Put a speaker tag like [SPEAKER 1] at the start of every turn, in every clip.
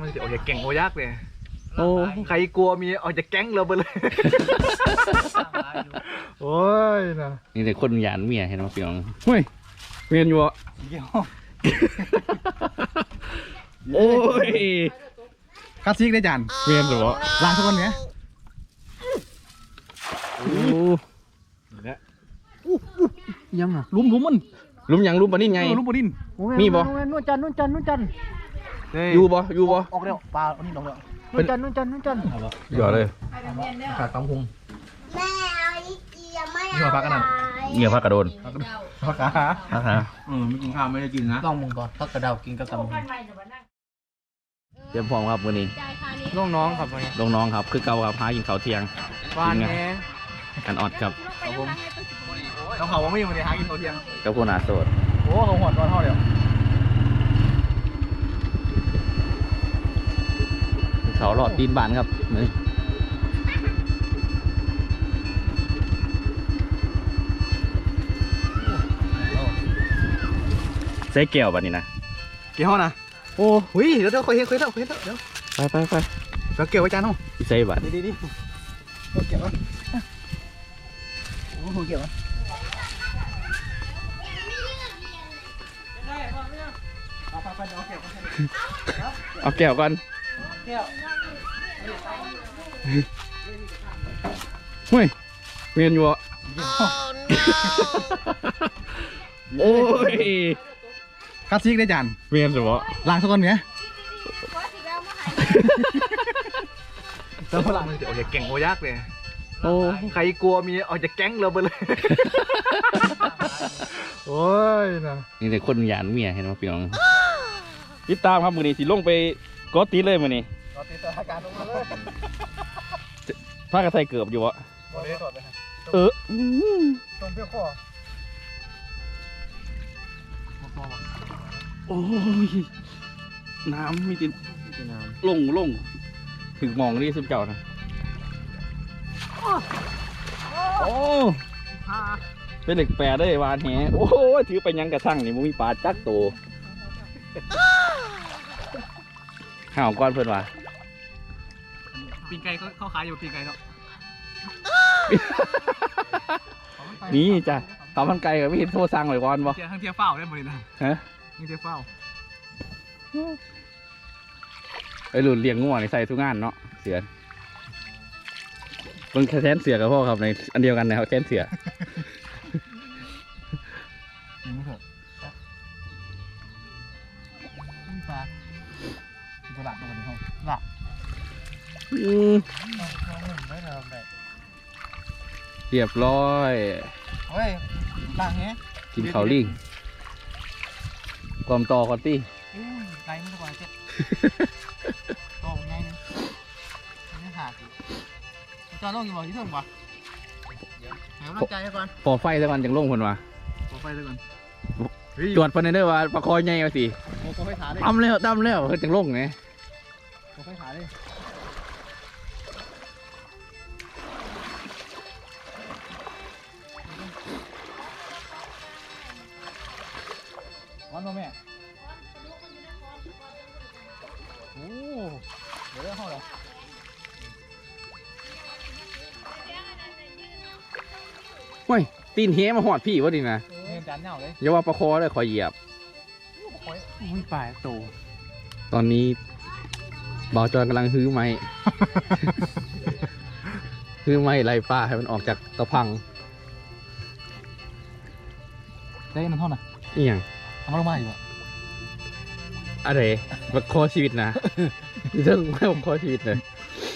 [SPEAKER 1] มันจะออกจากแก๊งโอยักเลย
[SPEAKER 2] โอ้
[SPEAKER 1] ใครกลัวมีออกจากแก๊งเราไปเลยโอ้ยนะ
[SPEAKER 2] นี่แต่คนหยานเมียเห็นไหมพี่น้องเฮ้ยเมียนอยู่อ่ะโอ้ย
[SPEAKER 1] คลาสสิกได้จาน
[SPEAKER 2] เมียนหรอ
[SPEAKER 1] ล้างสักคนเนี้ย
[SPEAKER 2] โอ้
[SPEAKER 1] ยังอ่ะลุมมัน
[SPEAKER 2] ลุมยังลุมปะนิ่นไง
[SPEAKER 1] ลุมปะนิ่น
[SPEAKER 2] มีบ่
[SPEAKER 3] นู่นจัน
[SPEAKER 2] อยู่บ่
[SPEAKER 1] ออกเร็วปลาอันนี้ลงแล้ว
[SPEAKER 3] นู่นจัน
[SPEAKER 2] หยอดเลย
[SPEAKER 1] ขาดตำพุง
[SPEAKER 4] แม่เอาอีเกียไม่
[SPEAKER 1] นี่มาพักกันนะ
[SPEAKER 2] เงียบพักกระโดน
[SPEAKER 1] พักขา
[SPEAKER 2] พักหา
[SPEAKER 1] ไม่กินข้าวไม่ได้กินนะ
[SPEAKER 3] ลองมึงก่อนพักกระเดากินกับตำมึง
[SPEAKER 2] เตรียมพร้อมครับวันนี้
[SPEAKER 3] น้องครับ
[SPEAKER 2] ลงน้องครับคือเก่าครับหากินข้าวเที่ยง
[SPEAKER 3] วานแห
[SPEAKER 2] กันออดครับ
[SPEAKER 1] เราเขาว่าไม่ยังไม่ได้หากินเขาเที่ยง
[SPEAKER 2] กับผู้หนาโสด
[SPEAKER 1] โอ้เขาหอดตอนเท่าเดียว
[SPEAKER 2] เขาหลอดตีนบานครับนี่ใส่แก้วบัดนี้นะ
[SPEAKER 1] เกี่ยวนะโอ้หุยเดี๋ยวเคยเห็นเดี๋ยว
[SPEAKER 2] ไป
[SPEAKER 1] เราเกี่ยวไว้จานห้อง
[SPEAKER 2] ใส่บัด
[SPEAKER 1] ดีเราเกี่ยวไว้โอ้โหเกี่ยวไว้
[SPEAKER 2] เอาแก้วก่อนเฮ้ยเมียนอยู่อ่ะโอ้ย
[SPEAKER 1] คลาสสิกได้จาน
[SPEAKER 2] เมียนหรอ
[SPEAKER 1] ล้างสักคนเนี้ยแล้วพลังมันจะออกจากแก๊งโอยักเลย
[SPEAKER 2] โอ้
[SPEAKER 1] ใครกลัวมีออกจากแก๊งเราไปเลยโอ้ยนะ
[SPEAKER 2] นี่แต่คนหยานเมียเห็นไหมพี่น้องติดตามครับมือนี้สิลงไปกอตีเลยมือนี้
[SPEAKER 1] กอตีสถานการณ์ลงมาเลย
[SPEAKER 2] พากระไทยเกือบอยู่วะ
[SPEAKER 1] ต้มเปรี้ยวข้อ
[SPEAKER 2] โอ้ยน้ำมีติดลงถึงมองนี่สุดเจ้านะโอ้เป็นเหล็กแปรได้วานแหโอ้ยถือไปยังกระทั่งนี่มันมีปลาจักโตห่าวก้อนเพื่อนวะ
[SPEAKER 1] ปีนไก่เขาขายอยู่ปีนไก่เนาะ
[SPEAKER 2] นี่จ้ะข้าวมันไก่กับพี่โทรสั่งไว้ก่อนบ่
[SPEAKER 1] ทั้งเทียบเฝ้าได้หมดเลยนะ
[SPEAKER 2] ฮะ
[SPEAKER 1] ทั้งเทียบเฝ้า
[SPEAKER 2] ไอ้หลุดเลี้ยงงัวในใส่ทุกงานเนาะเสือมันแค่เสือกับพ่อครับในอันเดียวกันนะครับแค่เสือ
[SPEAKER 1] ปลาตัวหลักตัวนี้เขาหลัก
[SPEAKER 2] เรียบร้อย
[SPEAKER 1] เฮ้ยหลังเนี้ย
[SPEAKER 2] กินข้าวลิงความต่อคอตตี้
[SPEAKER 1] ไก่ไม่สบายเจ็ดโตไงนี่หาสิจอดลงอยู่บ่ที่เทิงบ่แหวร่างกายก่อน
[SPEAKER 2] พอไฟสักวันจังลงคนวะ
[SPEAKER 1] พอไฟสักวัน
[SPEAKER 2] ตรวจประเด็นได้ว่าประคอยใหญ่เอาสิตั้มแล้วจังลงไง
[SPEAKER 1] พอไฟขาเลยวันมาแม่โอ้เดี๋ยวได้เข้าเลย
[SPEAKER 2] เฮ้ยตีนเฮมาหอดพี่วะดินะ
[SPEAKER 1] จานเน่าเลย
[SPEAKER 2] อย่าว่าประคอเลยคอยเหยียบ
[SPEAKER 1] อุ้ยปลายโต
[SPEAKER 2] ตอนนี้บ่าวจอนกำลังฮื้อไม้ ฮื้อไม้ไล่ป้าให้มันออกจากตะพัง
[SPEAKER 1] ได้มันเท่าไหร่
[SPEAKER 2] อีหยัง
[SPEAKER 1] ทำลงมาอยู่อะ
[SPEAKER 2] อะไรบักคอชีวิตนะเรื่องไม่บักคอชีวิตเลย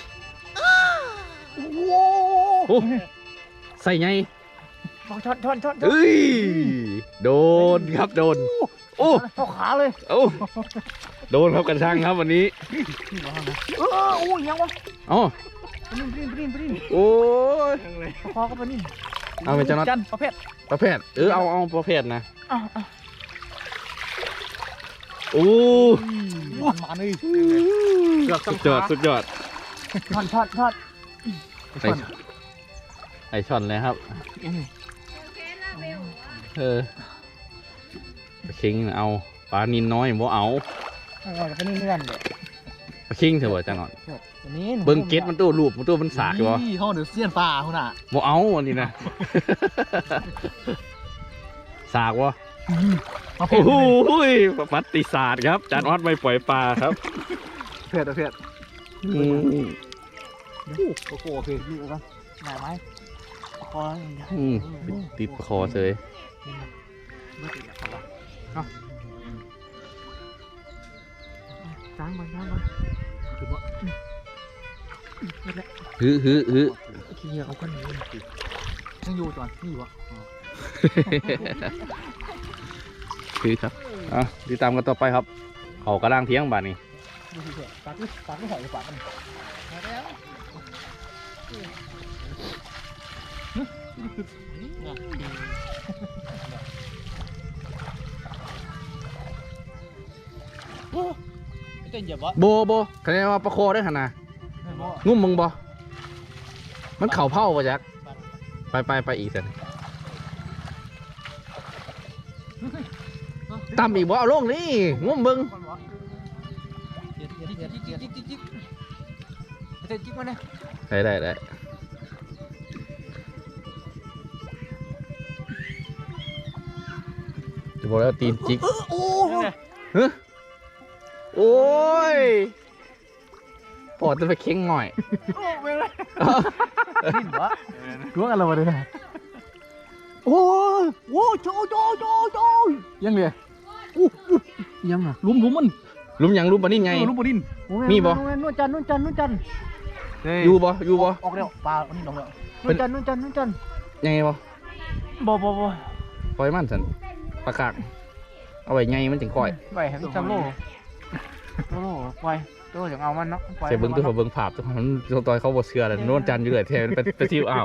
[SPEAKER 2] โอ้ใส่ไง
[SPEAKER 3] ช็อต
[SPEAKER 2] เอ้ยโดนครับโดนโอ้
[SPEAKER 3] เข้าขาเลย
[SPEAKER 2] โอ้โดนครับกระชังครับวันนี้
[SPEAKER 3] โอ้ยยังวะ
[SPEAKER 2] อ๋อ
[SPEAKER 3] ปริ้น
[SPEAKER 2] โอ้ย
[SPEAKER 3] คอก็ปริ้น
[SPEAKER 2] เอาไปจัน
[SPEAKER 3] ประเภท
[SPEAKER 2] เอาประเภทนะโอ้
[SPEAKER 1] มาเลย
[SPEAKER 2] สุดยอด
[SPEAKER 3] ช็อต
[SPEAKER 2] ไอช่อนเลยครับคิงเอาปลานินน้อยบ่เอา
[SPEAKER 3] ก็นี่เลื่อนเลย
[SPEAKER 2] ปลาคิงเถอะบ่จังหน่อย
[SPEAKER 3] อันนี้
[SPEAKER 2] เบิ่งเก็ตมันตัวรูปมันตัวมันสากอยู่บ่
[SPEAKER 1] นี่ห้องเดือดเสี้ยนปลาคุณอ่ะ
[SPEAKER 2] บ่เอาอันนี้นะสากวะโอ้โหประวัติศาสตร์ครับจานออดไม่ปล่อยปลาครับ
[SPEAKER 1] เผ็ดเผ็ด
[SPEAKER 2] อืม
[SPEAKER 1] โอ้โหเผ็ดนี่ก็
[SPEAKER 3] หนาไหมคออย่างเงี้ย
[SPEAKER 2] อืมติดคอเลย
[SPEAKER 1] ไม่ติดอ่ะครับ
[SPEAKER 3] จ้างมันคือว่า
[SPEAKER 2] ฮึ
[SPEAKER 3] ขี้เอากันนี้
[SPEAKER 1] ยังอยู่จอนนี่อยู่อ่ะ
[SPEAKER 2] คือครับอ่ะติดตามกันต่อไปครับเขากระด้างเที่ยงบาดนี้
[SPEAKER 3] ดูสิเถอะปากไม่หอยปากมัน
[SPEAKER 1] ไม่เต้นเหยียบวะ
[SPEAKER 2] โบคะแนนว่าประโคได้ขนาดงุ่มมึงบ่มันเข่าเผาป่ะแจ็คไปอีกสิตามอีกบ่เอาลงนี่งุ่มมึง
[SPEAKER 1] จิ๊กมาเนี่ย
[SPEAKER 2] ได้จะบอกแล้วตีนจิกฮะโอ้ยปอดจะไปเค้งหน่อย
[SPEAKER 1] ดิ้นวะ
[SPEAKER 3] รู้กันเราเลยนะโอ้โจยังเลยยังอ่ะลุ้มมัน
[SPEAKER 2] ลุมหยังลุมปะนี่ไง
[SPEAKER 1] ลูกบดิน
[SPEAKER 2] มีบ่
[SPEAKER 3] นู่นจัน
[SPEAKER 2] อยู่บ่
[SPEAKER 1] ออกเร็วปลาอันนี้ลงแล้ว
[SPEAKER 3] นู่นจัน
[SPEAKER 2] ยังไงบ่
[SPEAKER 3] บ่
[SPEAKER 2] ปล่อยมันสันปลากากเอาไว้ไงมันจึงก่อย
[SPEAKER 3] ไปให้มันจำโลไปตัวอย่างเอามันเนาะ
[SPEAKER 2] เสียเบิ้งตัวเบิ้งภาพตัวมันตอนเขาบ่เชื่อเลยโน่นจันอยู่เลยแทนไปซิวอ้าว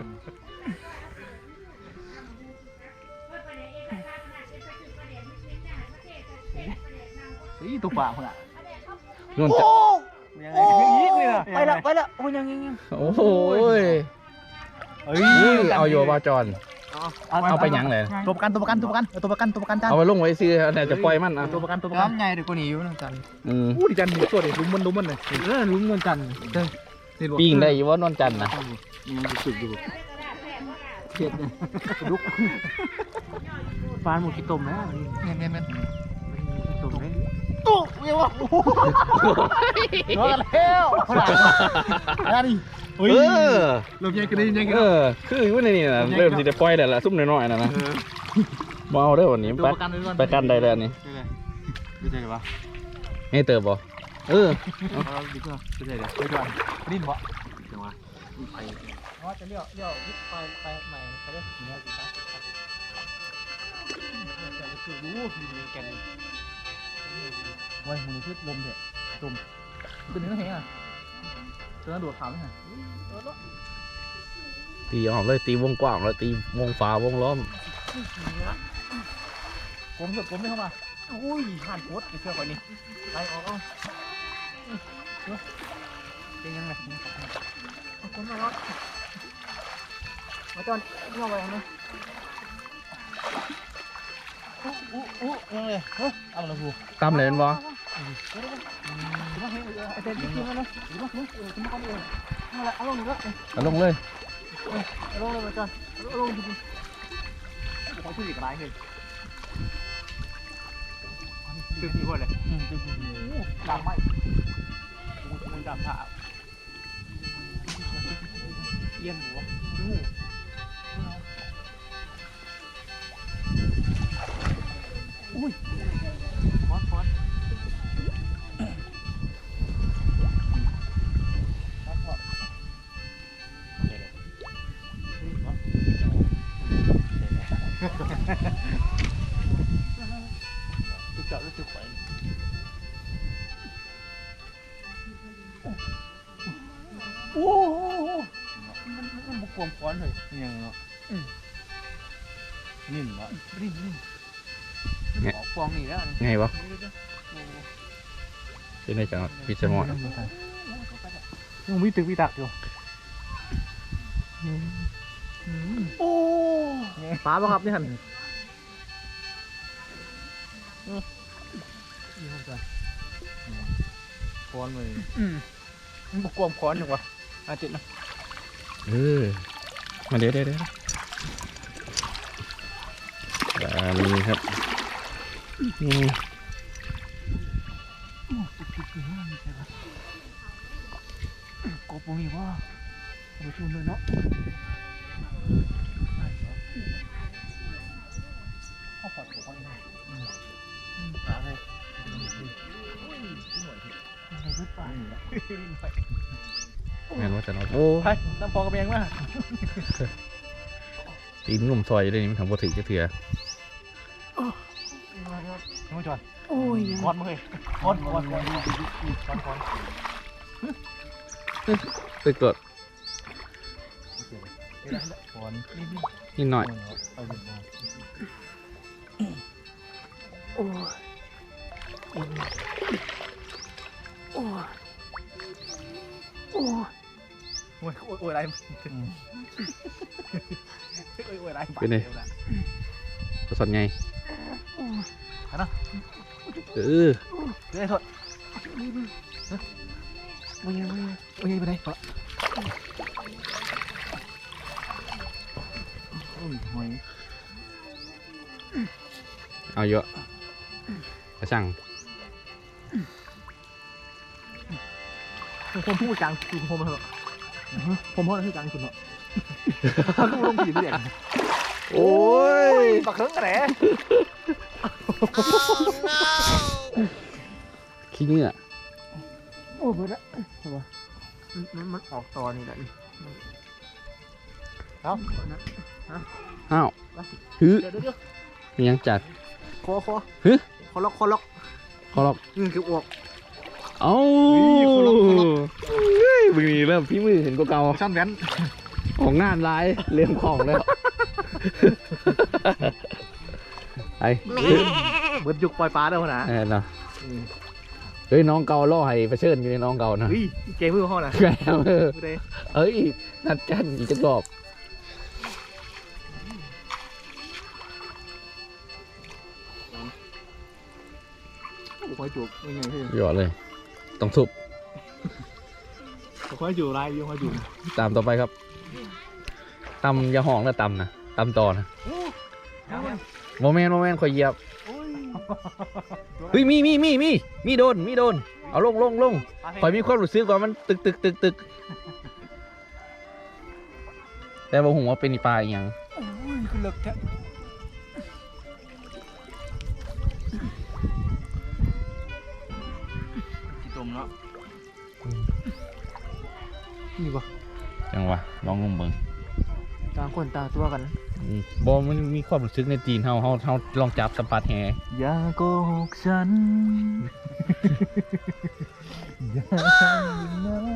[SPEAKER 1] นี่ตัวปลาคุณอ่ะ
[SPEAKER 2] โน่นจัน
[SPEAKER 1] ยังไงยังยิกเลยนะ
[SPEAKER 3] ไปแล้วโอ้ยัง
[SPEAKER 2] โอ้โหย
[SPEAKER 1] เฮ้ย
[SPEAKER 2] เอาอยู่บ่จอนเอาไปหยังเลย
[SPEAKER 1] ตัวประกันจาน
[SPEAKER 2] เอาไปลงไว้ซื้อเนี่ยจะปล่อยมันอ่ะ
[SPEAKER 1] ตัวประกันใหญ่เดี๋ยวกูหนีอยู่นะจัน
[SPEAKER 2] อืม
[SPEAKER 1] อู้ดิจันตัวเด็กลุ้มมันเลยลุ้มเงินจัน
[SPEAKER 2] ปิ้งได้อยู่ว่านอนจันนะ
[SPEAKER 1] มันสุดอยู่เผ็ดเนี่ย
[SPEAKER 3] ลุกปลาหมูกี่ต้มนะ
[SPEAKER 1] เนี่ย
[SPEAKER 3] ต้มได้
[SPEAKER 1] ตู้เมียวะรอกันแล้วนั่นดิ
[SPEAKER 2] เออ
[SPEAKER 1] เริ่มยังกันได้ยังกัน
[SPEAKER 2] คืออยู่ในนี่นะเริ่มที่จะปล่อยได้ละซุ่มน้อยๆนะมาเอาได้วันนี้
[SPEAKER 1] ตัว
[SPEAKER 2] ไป
[SPEAKER 1] ประกันด้วย
[SPEAKER 2] ไปกันได้แล้วนี่
[SPEAKER 1] ไม่ใช่ปะ
[SPEAKER 2] ให้เติบบ่เออ
[SPEAKER 1] ดีกว่าไม่ใช่เดี๋ยวไปก่อนดิ้นวะจังหวะไป
[SPEAKER 3] อ๋อจะเลี้ยวไปใหม่เขาเรียกเลี้ยวสิครับว้ยมันคือลมเถอะตุ่มเป็นเนื้อแห้งอ่ะตัวนั้นโดดขาวไหมฮะ
[SPEAKER 2] ตีออกเลยตีวงกว้างแล้วตีวงฟ้าวงล้อม
[SPEAKER 3] ผมไม่เข้ามาอุ้ยผ่านโคตรเชื่อก่อนนี่ไปออกเป็นยังไงคนมาแล้วมาจอนเอาไว้นะยังเลยเอาละพู
[SPEAKER 2] ตำเลยเป็นบ่
[SPEAKER 3] ไอเต้นที่กินมาเลยเอาลงนี่ละ
[SPEAKER 2] เอาลงเลย
[SPEAKER 3] เอาลงเลยมาจอนเอาลงจริง
[SPEAKER 1] เขาชื่ออีกรายเลยชื่อพี่ว่าอะไรดำไหมมึงดำผ่าเยี่ยมหัวอุ้ยฟอนจะจับแล้วจะแขวนโอ้มันบุกความฟ้อนเลยยังเนาะนิ่มวะนิ่มฟองนี่แล้ว
[SPEAKER 2] ไงบ่เป็นไงจังพิจารณา
[SPEAKER 3] ยังมีตึกมีตักอยู่โอ้ปลาป่ะครับนี่หันค้อนเลยมันบกกวมค้อนอยู่วะอาจิตนะ
[SPEAKER 2] มาเดี๋ยวนี่ครับนี่
[SPEAKER 3] กบมีว่าไปชมเลยเนาะข้าวผัดของมันอะไร
[SPEAKER 2] แม่นว่าจะนอนโอ้
[SPEAKER 3] ไปน้ำพอกระเบงมา
[SPEAKER 2] ตีนงมซอยอยู่เลยนี่มันทำบ่ถึงจะเถื่อ
[SPEAKER 3] ยังไม่จอด
[SPEAKER 1] โอ้ย
[SPEAKER 3] ค้อนมาเลยค้อน
[SPEAKER 2] ตึกกด
[SPEAKER 3] ค้อนนี่
[SPEAKER 2] นิดหน่อย
[SPEAKER 3] ไปถึงมา
[SPEAKER 1] โอ้ยโอ้ยโอ้ย
[SPEAKER 3] โอ้ยอะไรโอ้ยอะไร
[SPEAKER 2] เป็นไงประสานไง
[SPEAKER 3] นะ
[SPEAKER 2] เออ
[SPEAKER 3] เดี๋ยวไอ้ทศ
[SPEAKER 1] ไม่ยัง
[SPEAKER 3] โอ้ยไปไหนปะโอ้ยหอย
[SPEAKER 2] เอาเยอะกระช่าง
[SPEAKER 3] ผมพูดกลางคือผมเหรอผมพูดคือกลางสุดเนาะลูกลงผีเด็ก
[SPEAKER 2] โอ้ย
[SPEAKER 3] ปักเครื่องกระแหน
[SPEAKER 2] ขี้เหงื่อ
[SPEAKER 1] โอ้ยเบิดละมันออกตอนนี่แหละ
[SPEAKER 3] เอ้า
[SPEAKER 2] อ้าวฮึ
[SPEAKER 3] เดี๋ยว
[SPEAKER 2] มียังจัด
[SPEAKER 3] คอ
[SPEAKER 2] ฮึ
[SPEAKER 3] คอล็อก
[SPEAKER 2] ขอลอก
[SPEAKER 3] นี่คืออวก
[SPEAKER 2] เอ้า
[SPEAKER 3] ขอลอก
[SPEAKER 2] เฮ้ยมึงนี่เริ่มพี่มือเห็นก็เก่า
[SPEAKER 3] ช่างแว้น
[SPEAKER 2] ของงานร้ายเริ่มของแล้วไอ้
[SPEAKER 3] เบิดยุกปล่อยปลาได้ขนาด
[SPEAKER 2] เนาะเฮ้ยน้องเก่าล่อให้ไปเชิญอยู่ในน้องเก่านะ
[SPEAKER 3] เฮ้ยเกมมือห้องนะ
[SPEAKER 2] แกเออ
[SPEAKER 3] มือใด
[SPEAKER 2] เอ้ยนัดกันอีกจะกรอบ
[SPEAKER 3] คอยจูบยังไงพี่
[SPEAKER 2] หยอดเลย ต้องทุบ
[SPEAKER 3] คอยจูบลายยังคอยจูบ
[SPEAKER 2] ตามต่อไปครับตำอยาห้องแล้วตำนะตำต่อนะโมเมนต์คอยเหยียบเฮ้ยมีโดนเอาลงคอยมีความรู้สึกว่ามันตึกแต่ว่าหัวเป็นอีปลาอีหยัง
[SPEAKER 3] โอ้ยคือเลิกแท้กี่ตุ่มเนาะนี่ปะ
[SPEAKER 2] จังวะลองงมเบิ่ง
[SPEAKER 1] ต่างคนต่างตัวกัน
[SPEAKER 2] บอมันมีความรู้สึกในตีนเฮาลองจับสัมผัสแฮ
[SPEAKER 3] อย่าโกหกฉันอย่าทำนั้น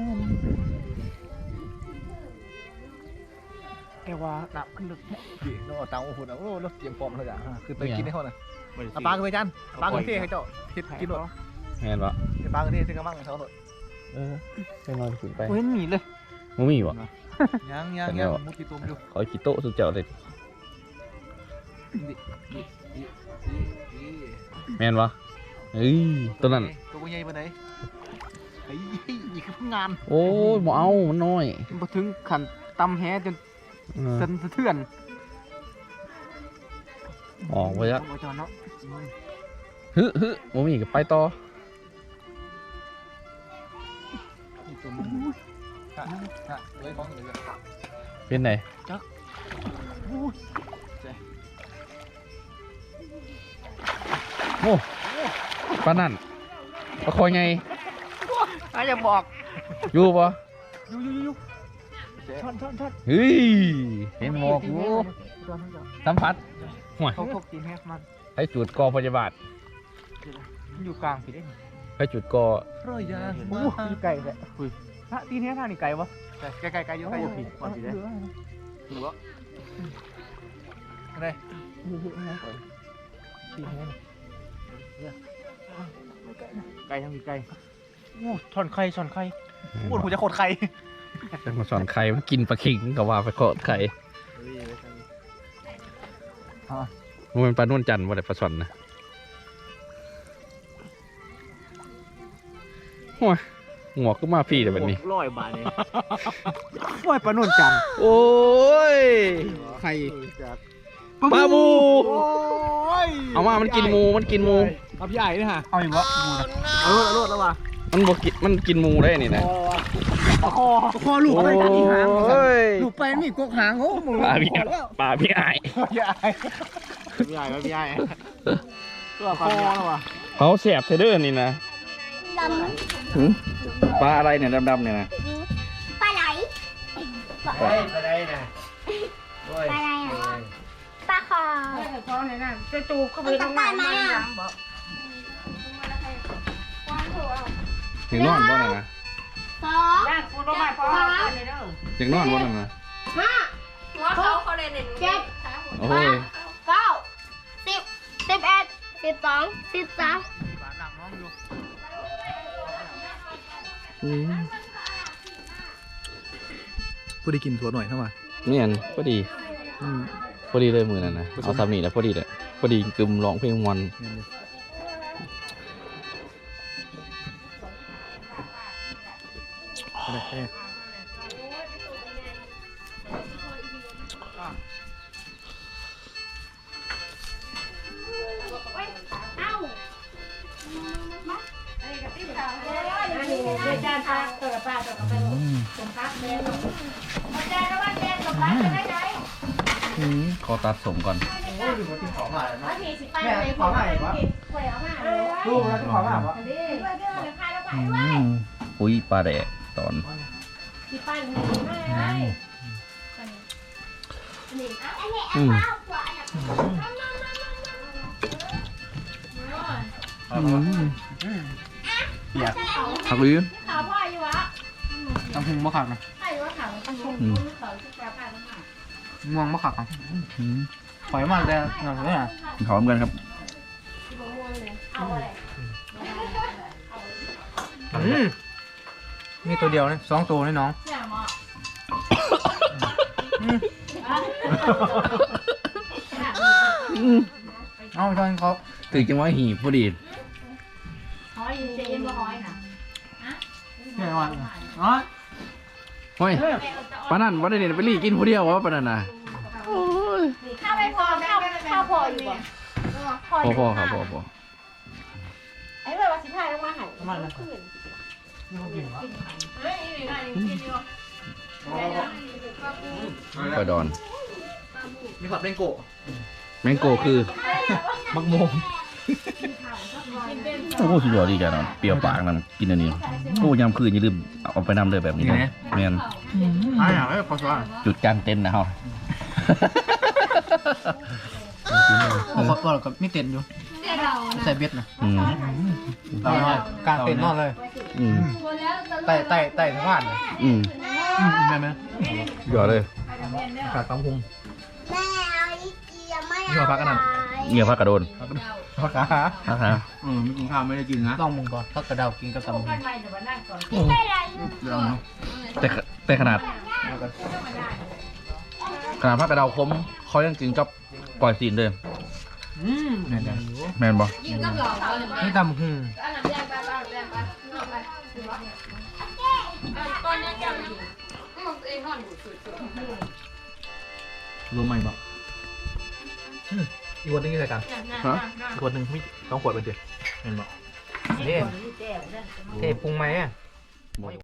[SPEAKER 1] แกว่าหนักขึ้นลึก
[SPEAKER 3] ดิเราเอาตังค์มาหุ่นเอาโอ้เราเตรียมพร้อมแล้วจ้ะคือไปกินให้เขาน่ะเอาปลาขึ้นไปจันปลาขึ้นเท่ให้เจ้าคิดกินหมด
[SPEAKER 2] แม่นปะ
[SPEAKER 3] ปลาขึ้นเท่ซึ่งกำลังเขาหมด
[SPEAKER 2] ไปนอนขึ้นไป
[SPEAKER 1] โอ้ยหนีเลย
[SPEAKER 2] มึงมีวะ
[SPEAKER 3] ยังมุดกี่ตุ่มอยู่
[SPEAKER 2] ขอกี่โต๊ะสุดเจ้าเลยแม่นปะเฮ้ยตัวนั้น
[SPEAKER 3] ตัวใหญ่ปานไหนไอ้นี่คือพงาน
[SPEAKER 2] โอ้ยบ่เอามันน้อย
[SPEAKER 1] มาถึงขันตำแฮจน
[SPEAKER 2] เออ
[SPEAKER 1] สะเทือน
[SPEAKER 2] ออกไปละ
[SPEAKER 1] โอ้ยจอนเนาะ
[SPEAKER 2] ฮึบ่มีก็ไปต่อ
[SPEAKER 3] เลยของเลย
[SPEAKER 2] เป็นไหนโอ้ปานนั่นปลาคอยไง
[SPEAKER 1] อาจจะบอก
[SPEAKER 2] อยู่ปะ
[SPEAKER 3] อยู่ช่อน
[SPEAKER 2] เฮ้ยเห็นหมอกอยู่สัมผัสห่วย
[SPEAKER 1] เขาพกตีนแฮมัน
[SPEAKER 2] ให้จุดกอพยาบาล
[SPEAKER 1] มันอยู่กลางผิดได้
[SPEAKER 2] ให้จุดกอ
[SPEAKER 3] รอยยาง
[SPEAKER 1] โอ้ยไก่เลยถ้าตีนแฮท่านี่ไก่วะ
[SPEAKER 3] ไกลอยู่ไกลอยู่ผิดก่อนผิดเลยถูกแล้วอะไร
[SPEAKER 1] ตีนแฮไก่ทั้งมีไก่โอ้ช่อนไข่
[SPEAKER 3] ปวดหัวจะโคตรใคร
[SPEAKER 2] จะมาสอนใครมันกินปลาขิงก็ว่าไปโคตรไข่มันเป็นปลานวลจันทร์ว่าแต่ปลาสอนนะโอ้ยหัวก็มาพี่แต่แบบนี้
[SPEAKER 3] 100 บาทนี่โอ้ยปลาหนุนจันทร์
[SPEAKER 2] โอ้ย
[SPEAKER 1] ไข่
[SPEAKER 2] ปลาบู
[SPEAKER 3] โอ้ย
[SPEAKER 2] เอามามันกินหมูมันกินหมู
[SPEAKER 3] เอาพี่ใหญ่นี่ฮะ
[SPEAKER 1] เอาอีกวะกูนะ
[SPEAKER 3] เอารถแล้วว่ะ
[SPEAKER 2] มันบ่กินมันกินหมูได้นี่นะ
[SPEAKER 3] คอลูก
[SPEAKER 2] โอ้
[SPEAKER 3] อะไรกันอีหาง
[SPEAKER 2] ย
[SPEAKER 1] ลูกไปมีกกหางโอ้มึง
[SPEAKER 2] ปลาพี่ปลาพี่ไอาย
[SPEAKER 3] พี่ใหญ่พี่ใหญ่พี่ใหญ่ตัวคอแล้วว่ะ
[SPEAKER 2] เขาแสบเทเดอร์นี่นะ
[SPEAKER 4] ด
[SPEAKER 2] ปลาอะไรเนี่ยดำๆเนี่ยนะ
[SPEAKER 4] ำปลาไหล
[SPEAKER 1] ไปได้นะ
[SPEAKER 4] ปลาอะไรอ่ะปลาคอ
[SPEAKER 5] ท้องเนี่ยนะจะจูบเข้าไปตรงไหนบอก
[SPEAKER 2] อย่างนอนบ่นั่นนะ
[SPEAKER 4] สอง
[SPEAKER 5] ย่างกูต้องมาพอกันเลยเด้อ
[SPEAKER 2] อย่างนอนบ่นั่นนะ
[SPEAKER 4] ห้า
[SPEAKER 5] หัวเขาเลยเนี่ย
[SPEAKER 4] เจ็ด
[SPEAKER 2] โอ้ย
[SPEAKER 4] เก้า10 11 12 13
[SPEAKER 1] หลังน้องอยู่
[SPEAKER 3] ผู้ได้กินถั่วหน่อยเท่าไหร่
[SPEAKER 2] เนี่ยพอดีพอดีเลยมือนั่นนะเอาซ้ำนี่แล้วพอดีเลยพอดีกึมร้องเพลงมันขอตัดสมก่อน
[SPEAKER 1] โอ้ยดูว่าที่ของอะไรนะแม่ที่ของอะไรวะลูกแล้วที่ของอะไรวะ
[SPEAKER 2] อุ้ยปลาแดกตอน อืม
[SPEAKER 1] เปียก
[SPEAKER 2] ผักลิ้น
[SPEAKER 1] ตำพุงมะขักนะง่วงมะขักหอยมันแต่หนังเนี่ย
[SPEAKER 2] หอมกันครับ
[SPEAKER 1] มีตัวเดียวนี่2 ตัวนี่น้องเอาจอนเขา
[SPEAKER 2] ถึงจังหวะหีบพอดี
[SPEAKER 1] เนี่ยวันอ๋อ
[SPEAKER 2] เฮ้ยปลานั่นวันนี้ไปรีกินผู้เดียววะปลานั่นนะ
[SPEAKER 4] ข้าวไม่พอข้าวพออยู่บ่
[SPEAKER 2] พ่อครับพ่อ
[SPEAKER 4] ไอ้แบบว่าสิพายลงมาหัน
[SPEAKER 1] มันนะนี่เขากินวะ
[SPEAKER 2] ปลาดอน
[SPEAKER 1] มีผัดเป็นโกะ
[SPEAKER 2] แมงโกคือ
[SPEAKER 1] มักโมง
[SPEAKER 2] โอ้โหสุดยอดดีกันเนาะเปรี้ยวปากนั่นกินอันนี้โอ้ยามคืนอย่าลืมเอาไปนำเลยแบบนี้นะแมน
[SPEAKER 1] อ่ะอย่างไรพอสว่า
[SPEAKER 2] จุดกลางเต็นท์นะเฮา
[SPEAKER 1] โอ้ขอกับมีเต็นอยู่ใส่เบ็ดนะ
[SPEAKER 2] อืม
[SPEAKER 1] เอาหน่อยกลางเต็นนอนเลย
[SPEAKER 2] อืม
[SPEAKER 1] ไต่สะพานเลย
[SPEAKER 2] อืม
[SPEAKER 1] ได้ไหม
[SPEAKER 2] ยอดเลย
[SPEAKER 1] กาดตำพุง
[SPEAKER 4] แม่เอาอีเกียไม่
[SPEAKER 1] นี่มาพักกันนะ
[SPEAKER 2] เงียบพักกระโดน
[SPEAKER 1] พักกา
[SPEAKER 2] พักฮะ
[SPEAKER 3] ไม่กินข้าวไม่ได้กินนะ
[SPEAKER 1] ต้องมึงก่อนพักกระเดากินกับตำพุง
[SPEAKER 5] กันไปเดี๋ยวมานั่งก่อน
[SPEAKER 4] ไม่ไร
[SPEAKER 3] เดี๋ยวนะ
[SPEAKER 2] แต่ขนาดพักกระเดาคมเขายังกินกับปล่อยซีนเลย
[SPEAKER 1] แม่น
[SPEAKER 2] แมนบ่
[SPEAKER 1] นี่ตำพุง
[SPEAKER 3] รู้ไหมบ่อีกวันนึงใส่กัน
[SPEAKER 2] ฮะ
[SPEAKER 3] อีกวันนึงไม่ต้องขวดไปเดียวเห็นบ่
[SPEAKER 1] เท่เท่ปรุงไหมอ่ะ